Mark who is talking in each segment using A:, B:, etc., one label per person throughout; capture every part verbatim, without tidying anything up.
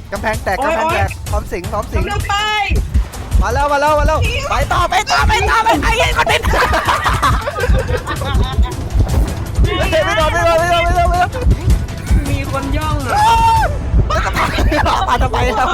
A: กำแพงแตกกำแพงแตกพร้อมสิงพร้อมสิง
B: เร็วไป
A: มาแล้วมาแล้วมาแล้วไปต่อไปต่อไปต่อไปไอ้ยัยคอนเทนต์ไม่โดนไม่โดนไม่โดนไม่โดนไม่โดน
B: มีคนย่องเหรอ
A: แล้วก็มาทำไมครับ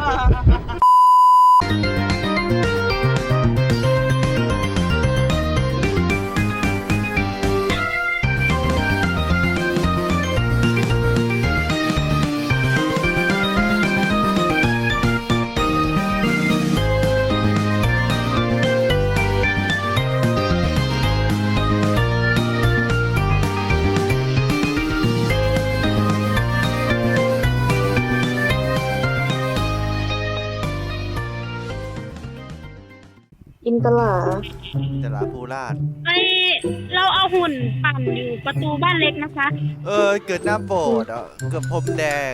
C: อินตลา
A: จะลาภูราช
D: ไอเราเอาหุ่นปั่นอยู่ประตูบ้านเล็กนะคะ
A: เออเกิดหน้าโบสถ์อ่ะเกือบพรมแดง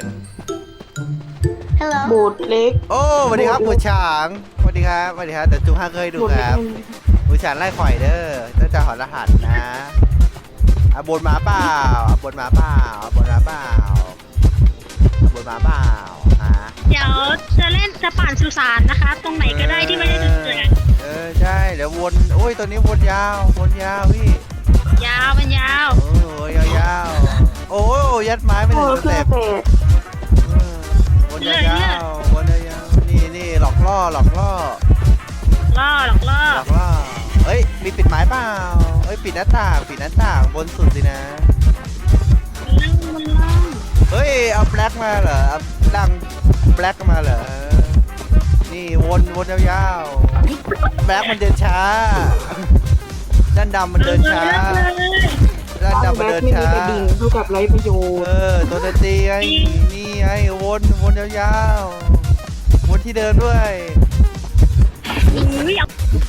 C: โบสถ์เล็ก
A: โอ้สวัสดีครับผู้ฉางสวัสดีครับสวัสดีครับแต่จุงห้าเคยดู
C: โบสถ์
A: ค
C: เล็ก
A: รับผู้ฉางไล่ข่อยเด้อต้องจะหอรหัสนะอ่ะบนหมาเปล่าอ่ะบนหมาเปล่าอ่ะบนหมาเปล่าอ่ะบนหมาเปล่าฮะ
D: เดี๋ยวจะเล่นจะปั่นสุสานนะคะ ตรงไหนก็ได้ที่ไม่ได้จุดเกิด
A: เออใช่เดี๋ยววนโอ้ยตัวนี้วนยาววนยาวพี่
D: ยาวมันยาว
A: โอ้ยยาวยาวๆโอ้ยยัดไม้ไปห
C: โอ้
A: นึ่งส
C: เครื่อ
A: เต็
C: ง
A: ป
C: แตก
A: เออวนยาวๆวนยาวๆนี่นี่หลอกล่อหลอกล่อ
D: ล่อหลอกล่อ
A: หลอกล่อเอ้ยมีปิดไม้เปล่าเอ้ยปิดหน้าต่างปิดหน้าต่างบนสุดสินะ
D: ล่างมันล่าง
A: เฮ้ยเอาแบล็กมาเหรอเอาดังแบล็กมาเหรอนี่วนวนยาวๆแบล็กมันเดินช้าด้านดำมันเดินช้า
D: เลย
A: ด้าน
C: แบ็
A: ดำมัน
C: ค
A: เดิน
C: ไม่มี
A: ช้า
C: กระดิ่งเท่ากับไร้ประโยช
A: เอ
C: น์
A: อตัวดนตรีไอ้นี่ไอ้วนวนยาวๆวนที่เดินด้วย
D: อุ้ยเอา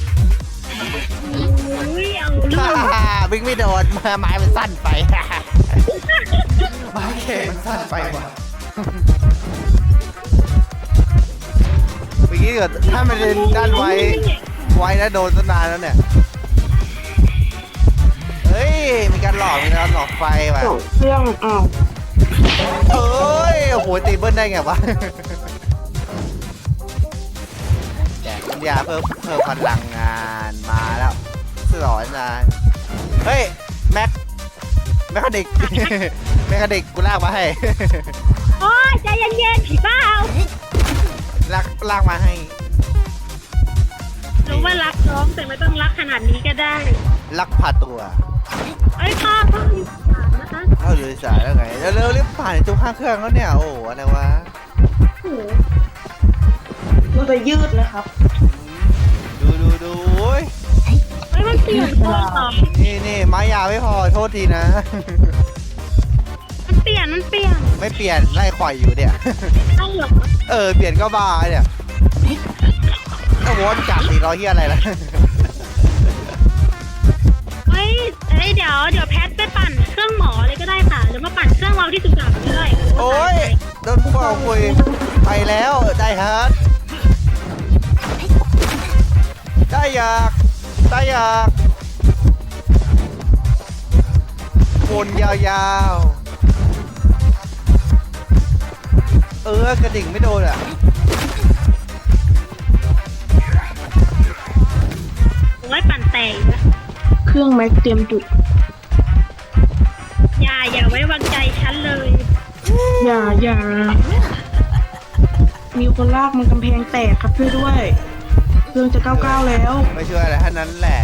D: อุ้ยเอาเรื่อง
A: วิ่งไม่โดนไม้มันสั้นไปไม้เข็มมันสั้นไปว่ะเมื่อกี้เกิดถ้ามันเดินด้านไว้ไว้แล้วโดนตั้งนานแล้วเนี่ยเฮ้ยมีการหลอกมีการหลอกไฟว่ะ
C: สองเครื่องอ้าว
A: เอ้ยโอ้โหตีเบิ้ลได้ไงวะแจกปัญญาเพิ่มเพิ่มพลังงานมาแล้วสลอนนานเฮ้ยแม็กแมคคานิก แมคคานิกกูลากมาให้
D: โอ้ยใจเย็นๆผีบ้าเอา
A: ลากลากมาให้
D: รู้ว่ารักน้องแต่ไม่ต้องรักขนาดนี้ก็ได้
A: ลักพาตัว
D: เอ้ยพ่อพ่อมีสามนะคะ
A: เข้าอยู่ในสายแล้วไงเร็วๆรีบผ่านจุกห้าเครื่องแล้วเนี่ยโอ้โหอะไรวะ
C: มันจะยืดนะครับ
A: ดูดูดูโอ้ย
D: เอ้ยมันเปลี่ยนตัวเหรอ
A: นี่นี่ไม้ยาวไม่พอโทษทีนะ
D: มันเปลี่ยนมันเปลี่ยน
A: ไม่เปลี่ยนไล่ข่อยอยู่เนี่ย
D: เอ้าเหรอ
A: เออเปลี่ยนก็บ้าเนี่ยโอ้โหจับสี่ร้อยเฮียอะไรล่ะ
D: เฮ้ยเอ้ยเดี๋ยวเดี๋ยวแพทไปปั่นเครื่องหมอเลยก็ได้ค่ะหรือมาปั่นเครื่องเราที่สุสานเลย
A: โอ้ยโดนพวกเราคุยไปแล้วได้ฮาร์ดได้อยากได้อยากวนยาวๆเออกระดิ่งไม่โดนอ่ะ
D: โอ้ยปั่นแตกนะ
C: เครื่องแม็กเตรียมจุด
D: อย่าอย่าไว้วางใจฉันเลย
C: อย่าอย่ามีคนลากมันกำแพงแตกครับช่วยด้วย เครื่องจะเก้าเก้าแล้ว
A: ไม่ช่วยอะไรท่านั้นแหละ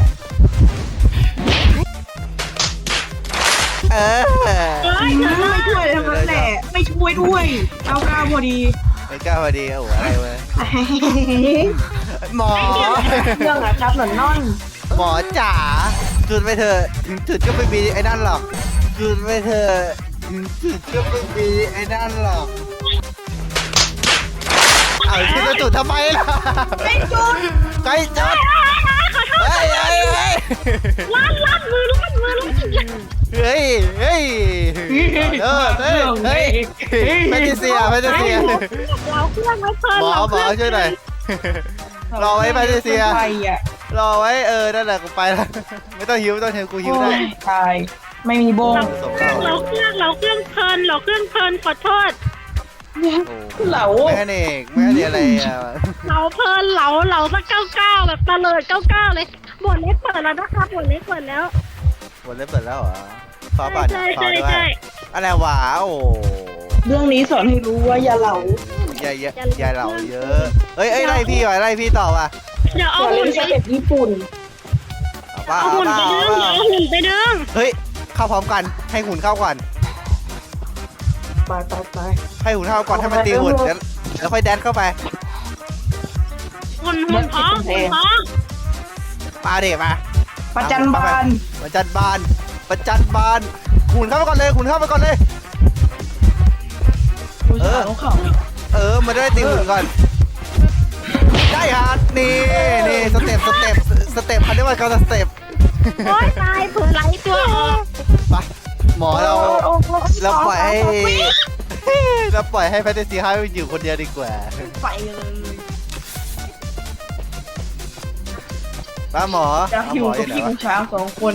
A: เออ
D: เอ้ยเธอ
C: ไม่ช่วยทั้งนั้นแหละ ไม่ช่วยด้วยเก้าเก้าพอดี
A: ไม่กล้าพอดีโอ้โหอะไรวะหมอ
C: เครื่องอะครับหนอนน่อน
A: หมอจ๋าจุดไปเถอะถึงจุดก็ไม่มีไอ้นั่นหรอกจุดไปเถอะถึงจุดก็ไม่มีไอ้นั่นหรอกเอาที่จะจุดทำไมล่ะ
C: ไม่จุด
A: ใครจุด
D: ขอโทษ
A: เฮ้ยเฮ้ยเฮ้ย
D: ลั่นลั่นมือลั่นมือลั่น
A: เฮ้ยเฮ้ยเออเฮ้ยเฮ้ยแพทริเซียแพทริเซีย
D: เราเครื่องไว้เพิ่ม
A: หมอหมอช่วยหน่อยรอไว้แพทริเซีย
C: ไปอ่ะ
A: รอไว้เออนั่นแหละกูไปแล้วไม่ต้องหิวไม่ต้องหิวกูหิวได้
C: โอ้ยตายไม่มีโบง
A: ส่งเรา
D: เราเครื่องเราเครื่องเพลินเราเครื่องเพลินขอโทษ
A: โอ้
C: เหลา
A: แม่เอกแม่เอกอะไรอ่ะ
D: เหลาเพลินเหลาเหลาสักเก้าเก้าแบบตะเลิดเก้าเก้าเลยบทเล็กเปิดแล้วนะคะบทเล็กเปิดแล้ว
A: หมดเล่นเปิดแล้วเหรอขอป่ะ
D: ใช่
A: ขอ
D: ใช่
A: ด้วย
D: ใช่
A: อะไรวะโอ้
C: เรื่องนี้สอนให้รู้ว่าอย่าเหลา
A: อย่าอย่าอย่าเหล่าเยอะเอ้ยเอ้ยไล่พี่ว่ะไล่พี่ต่อว่ะ
D: เดี๋ยว
C: อ
D: เอา
C: ย่า
D: หุ่
C: เล่
D: น
C: น
D: ไป
C: สเต็ปญี่ปุ่น
A: เอาป่ะ
D: เอา
A: เอา
D: หุ่น
A: ป่ะ
D: ไป
A: เอา
D: ดึง
A: ป่ะ
D: เอาหุ่นไปดึง
A: เฮ้ยเข้าพร้อมกันให้หุ่นเข้าก่อน
C: ไปไปไป
A: ให้หุ่นเข้าก่อนให้มันตีหุ่นแล้วแล้วค่อยแดนเข้าไป
D: หุ่นหุ่นพร้อมหุ่นพร้อม
A: มาเด็มา
C: ประจันบาน
A: ประจันบานประจันบานหุ่นเข้าไปก่อนเลยหุ่นเข้าไปก่อนเลย
C: ผู้ชายของเขา
A: เออมาได้ตีหุ่นก่อนได้ฮะนี่นี่สเต็ปสเต็ปสเต็ปเขาเรียกว่าการสเต็ป
D: โอ้ยตายเผื่อไหลตัวออก
A: ไปหมอเราเราปล่อยให้เราปล่อยให้แพทย์ซีฮาอยู่คนเดียวดีกว่า
C: ไปเลย
A: ป้าหมอ
C: อยาก
A: เอา
C: อ
A: หม
C: ยู่
A: ออ
C: กับ
A: ยู่ไหน
C: พี่
A: วะ
C: ผู้ชายสองคน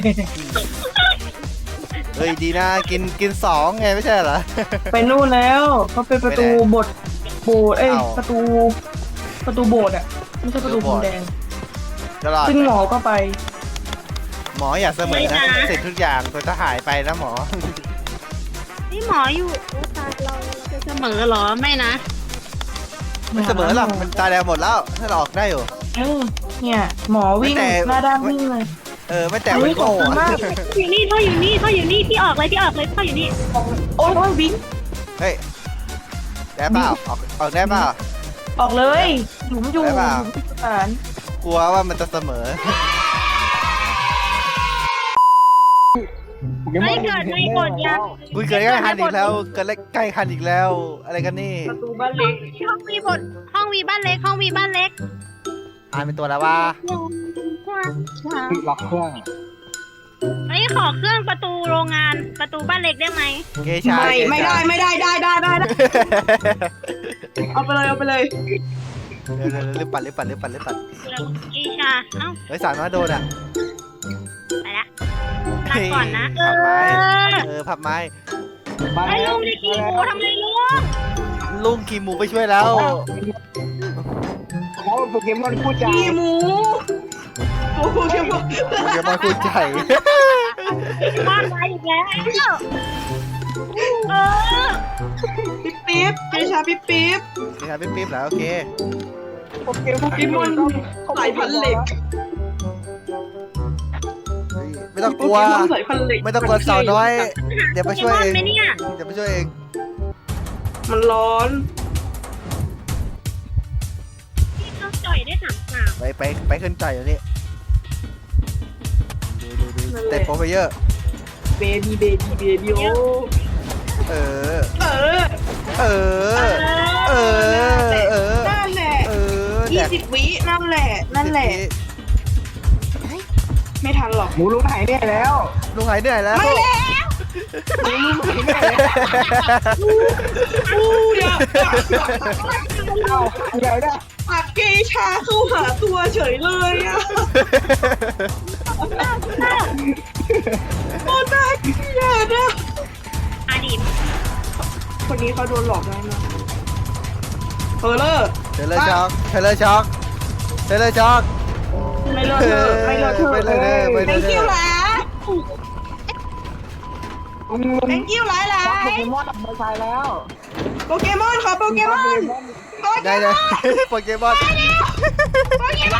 A: เฮ้ยดีนะกินกินสองไงไม่ใช่เหรอ
C: ไปนู่นแล้วเขาเป็นประตูโบสถ์โบสถ์เอ้ย
A: เอา
C: ประตูประตูโบสถ์อ่ะไม่ใช่ประตูพรมแดง
A: ตลอด
C: ซึ่งหมอก็ไป
A: หมออย่าเสมอนะเสร็จทุกอย่างตัวจะหายไปนะหมอ
D: นี่หมออยู่โอ้ตายเราเราจะเสมอเหรอไม่นะ
A: ไม่เสมอหรอกมันตายแล้วหมดแล้วถ้าเราออกได้อยู่
C: เออเนี่ยหมอวิ่ง
A: แต่
C: หน้าด้านวิ่งเลย
A: เออไม่แต่มัน
C: เฮ้ยขอบ
A: โง่
C: คุณมาก
A: อะ
D: อยู่นี่ท่ออยู่นี่ท่ออยู่นี่พี่ออกเลยพี่ออกเลยท่ออยู่นี่
C: โอ้ยวิ่ง
A: เฮ้ยได้เปล่าออกออกได้เปล่า
C: ออกเลยหลุมอยู่
A: ได้
C: ห
A: เปล่า
C: ลุมที่สถาน
A: กลัวว่ามันจะเสมอ
D: ไม่เกิดในกดยัง
A: คุยเกิดใกล้คันอีกแล้วเกิดใกล้คันอีกแล้ว อะไรกันนี่
C: ประตูบ้านเล็ก
D: ห้องวีบทห้องวีบ้านเล็กห้องวีบ้านเล็ก
A: อ่านเป็นตัวแล้วว่า
B: ล็อกเครื่อง
D: ไอ้ยขอเครื่องประตูโรงงานประตูบ้านเล็กได้ไหม
A: เกชา
C: ไม่
A: เกชา
C: ไม่ได้ไม่ได้ได้ได้ได้ได้เอาไปเลยเอาไปเลย
A: เร็วเร็วเร็วรีบปั่นรีบปั่นรีบปั่นรีบปั่น
D: แล้วอีชาเอ้า
A: เฮ้ยสามารถโดนอ่ะ
D: ไปละลาก่อนนะเอ
A: พับไม้
D: อ
A: เออพับไม้
B: มา
D: ไอ้
B: แล้
D: ลุ
B: ว
D: งนี่ขี้หมูทำไมลุง
A: ลุงขี่หมูไปช่วยแล้ว
B: เขาโปเกมอนคู่ใจ
C: พี่หมูโอ้โหเดี๋ยวบอก
A: เดี๋ยวมาคุยใจ
D: บ้านไปอีกแล้วเออ
C: ปิ๊บปิ๊บเจชาปิ๊บปิ๊บ
A: เกชาปิ๊บปิ๊บแล้วโอเค
B: โปเกมอน
C: พี่มอนสายพันธุ์เหล็ก
A: เฮ้ยไม่ต้องกลัว
C: โปเกมอนสายพันธุ์เหล็ก
A: ไม่ต้องกลัวสาวน้อย เดี๋ยวไปช่วยเอง
D: โปเกมอนไหมเนี่ย
A: เดี๋ยวไปช่วยเอง
C: มันร้อน
D: พี่ต้องจ่อยได้สามสาม
A: ไปไปไปขึ้นใจอยู่นี่ดูดูดูเต็มโปรไฟเยอร์
C: เบบี้เบบี้เบบี้โอ้
A: เออ
C: เออ
A: เออ เออ เออ
C: นั่นแหละ
A: เออแด
C: ยี่
A: ก
C: สิบวินั่นแหละ นั่นแหละ ไม่ทันหรอก
B: หมูลุงหายเนี่ยแล้ว
A: ลุงหายเหนื่อยแล้ว
C: ไม่แล้ว
B: หมูลุงหายเนี่ยแล้ว
C: อู้เดี๋ยว
B: เอ้าเดี๋ยวนะ
C: อักเกชาเข้าหาตัวเฉยเลยอ่ะโอ้น่าเกลียดอ่ะ
D: อดีต
C: คนนี้เขาโดนหลอกแล้วนะเออเลอร์
A: เทเลอร์ช็อกเทเลอร์ช็อกเทเลอร์ช็อก
C: ไม่เลอะเธอะไม่เลอะเธอะ
A: ไม่เลอะเทอะไม่เลอะเทอะ
C: thank you หลา
B: ลุงลุง
C: thank you หลายหลา
B: โป
C: ย
B: เกมอนออกมาใช้แล้ว
C: โปเกมอนขอโปเกมอน
A: ได้เลยโปเกมอน
C: โปเกมอน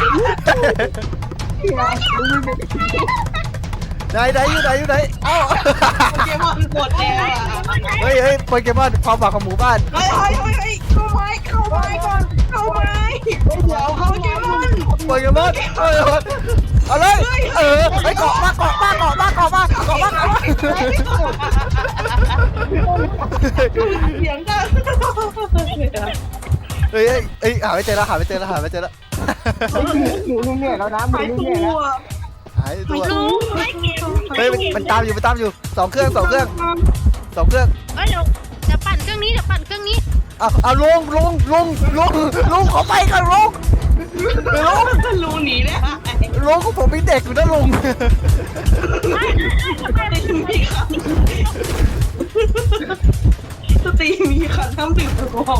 A: ไหนไหนอยู่ไหนอยู่ไหนเอ้า
C: โปเกมอนหมดแล้วอ่ะ
A: เฮ้ยเฮ้ยโปเกมอนความหวังของหมู่บ้าน
C: เฮ้ยเฮ้ยเฮ้ยเฮ้ยเข้าไม้เข้าไม้ก่อนเข้าไม้
B: เดี๋ยว
C: โป
B: เขา
C: เกมอน
A: โปเกมอนเออเอาเลยเออไปเกาะมาเกาะมาเกาะมาเกาะมาเกาะมาเกาะมา
C: เสียงดัง
A: เฮ้ยเฮ้ยเฮ้ยหาไม่เจอแล้วหาไม่เจอแล้วหาไม่เจอแล้ว
B: หมูลุงเนี่ยแล้วนะหมู
C: หาย
B: ลุง
C: ตั
B: เนี่ยแล้ว
C: ว
A: หายตัว
D: ลุงไม่เก็บ
A: เฮ้ยมันตามอยู่มันตามอยู่สองเครื่องสองเครื่องสองเครื่อง
D: เฮ้ยเดี๋ยวเดี๋ยวปั่นเครื่องนี้เดี๋ยวปั่นเครื่องนี้
A: เอาเอาลงลงลงลงลงขอไปกันลงลง
C: รูหนีได้
A: ลงของผมมีเด็กอยู่นะลง
C: ไม่ได้มีครับสตีมีขันน้ำดื่มแอลกอฮอล์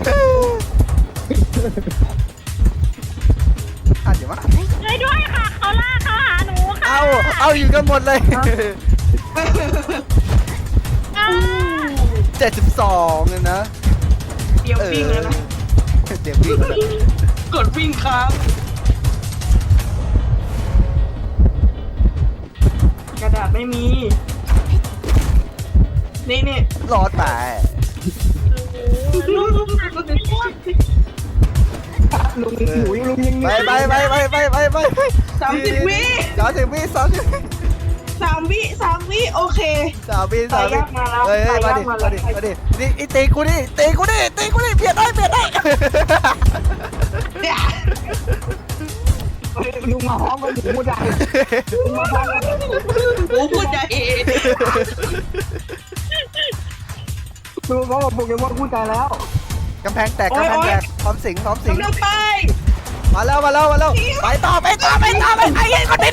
A: อ่ะเดี๋ยวมา
D: ช่วยด้วยค่ะเขาลากเขาหาหนูค่ะ
A: เอาเอาอยู่กันหมดเลย
D: อ่า
A: เจ็ดสิบสองเลยนะ
C: เดี๋ยววิ่งแล้วนะ
A: เดี๋ยววิ่งแล้วนะ
C: กดวิ่งครับกระดาษไม่มี นี่นี่
A: รอดไป
D: ลูกลูกหาไม่รู้
B: ลุงหนูลุงยัง
A: ไปไปไปไปไปไปไป
C: สามสิบวิ
A: สามสิบวิสามสิบวิ
C: สามวิสามวิโอเค
A: สามวิสามวิ
C: ไปยากมาแล้ว
A: เฮ้ยเฮ้ย
C: ไป
A: มาย
C: าก
A: ดิ
C: มา
A: มา
C: แล้ว
A: ดิมาดินี่ไอ้ตีกูดิตีกูดิตีกูดิเปลี่ยนได้เปลี่ยนได้
C: เนี่ย
B: ลุงมาห้องกันหนูพูดได้ลุงมาห้องกัน
C: โอ้พูดใจ
B: ลุงเขาบอกโปเกมอนพูดใจแล้ว
A: กำแพงแตกกำแพงแตกพร้อมสิงพร้อมสิง
C: กำลังไป
A: มาแล้วมาแล้วมาแล้วไปต่อไปต่อไปต่อไปไอ้ยัยคนติด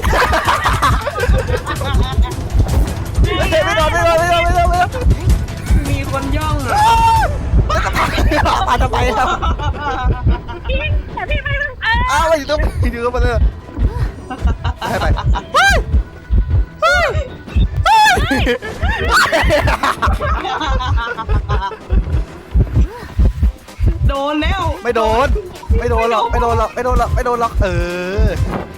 A: ไม่โดนไม่โดนไม่โดนไม่โดนไม่โดน
C: มีคนย่องอ่ะ
A: มาทำไมครับ
D: พี่แต่พี่ไม่รู้เออ
A: อ้าวมาอยู่ตรงนี้อยู่ตรงมาเลยไปไปเฮ้ยเฮ้ยเฮ้ย
C: โดนแล้ว
A: ไม่โดนไม่โดนหรอกไม่โดนหรอกไม่โดนหรอกไม่โดนหรอกเออ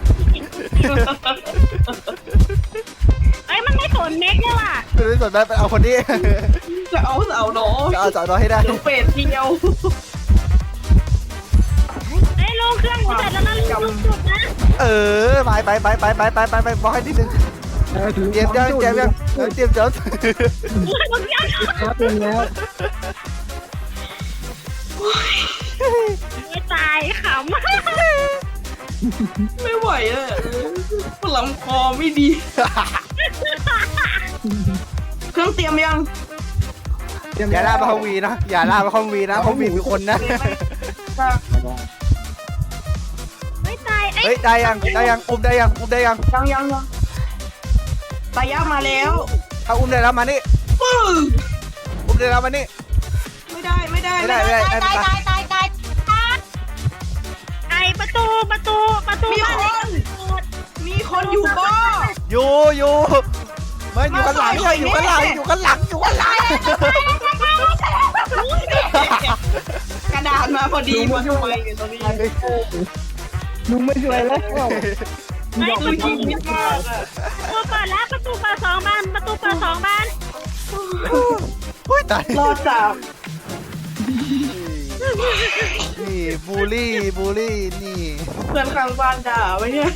D: เอ้ยมันไม่สนเม็กเลยว่ะ
A: ไม่รู้สนใจไปเอาคนนี้
C: จะเอาเสาหนอ
A: จะเอาสาวน้อยให้ได้
C: เดี๋ยวเป็ดเดียว
D: เอ้ยลงเครื่องหนูเสร็จแล้วนะลุงจุดนะ
A: เออไปไปไปไปไปไปไปไปบอกให้นิดนึงเตรียมยังเตรียมยังเตรียมจบ
D: ลุงยัง
B: แล้วเป็นแล้ว
D: ไม่ตายขำ
C: ไม่ไหวอ่ะลำคอไม่ดี เครื่องเตรียมยัง
A: อย่าล่ามาห้องวีนะอย่าล่ามาห้องวีนะห้องวีมีคนนะ
D: ไม่ตาย
A: เฮ้ยได้ยังได้ยังอุ้มได้ยังอุ้มได้ยัง
C: ยังยังยังตายามาแล้ว
A: ถ้าอุ้มได้แล้วมานี่
C: ปึ้ง
A: อุ้มได้แล้วมานี่
C: ไม่ได้ไม่ได้
A: ไม่ได้ไม่ได้ได้ไม่ได้
D: ตายตายตายไอประตูประตูประตู
C: มีคน มีคนอยู่บ้า
A: อยู่อยู่ไม่อยู่ข้างหลังใช่อยู่ข้างหลังอยู่ข้างหลังอยู่ข้างหลัง
C: กระดาษมาพอดีมาทำไมกันตรงนี้
B: ลุงไม่ช่วยแล้ว
D: ไม่
C: คือยิงไม่มากอ่ะ
D: ประตูเปิดแล้วประตูเปิดสองบานประตูเปิดสองบาน
A: อุ้ยตาย
C: รอดจาก
A: นี่บูลลี่บูลลี่นี่
C: เพื่อนข้างบ้านด่าไว้เนี่ย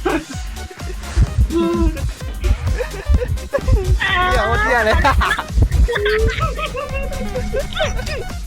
A: เดี๋ยวเที่ยเลย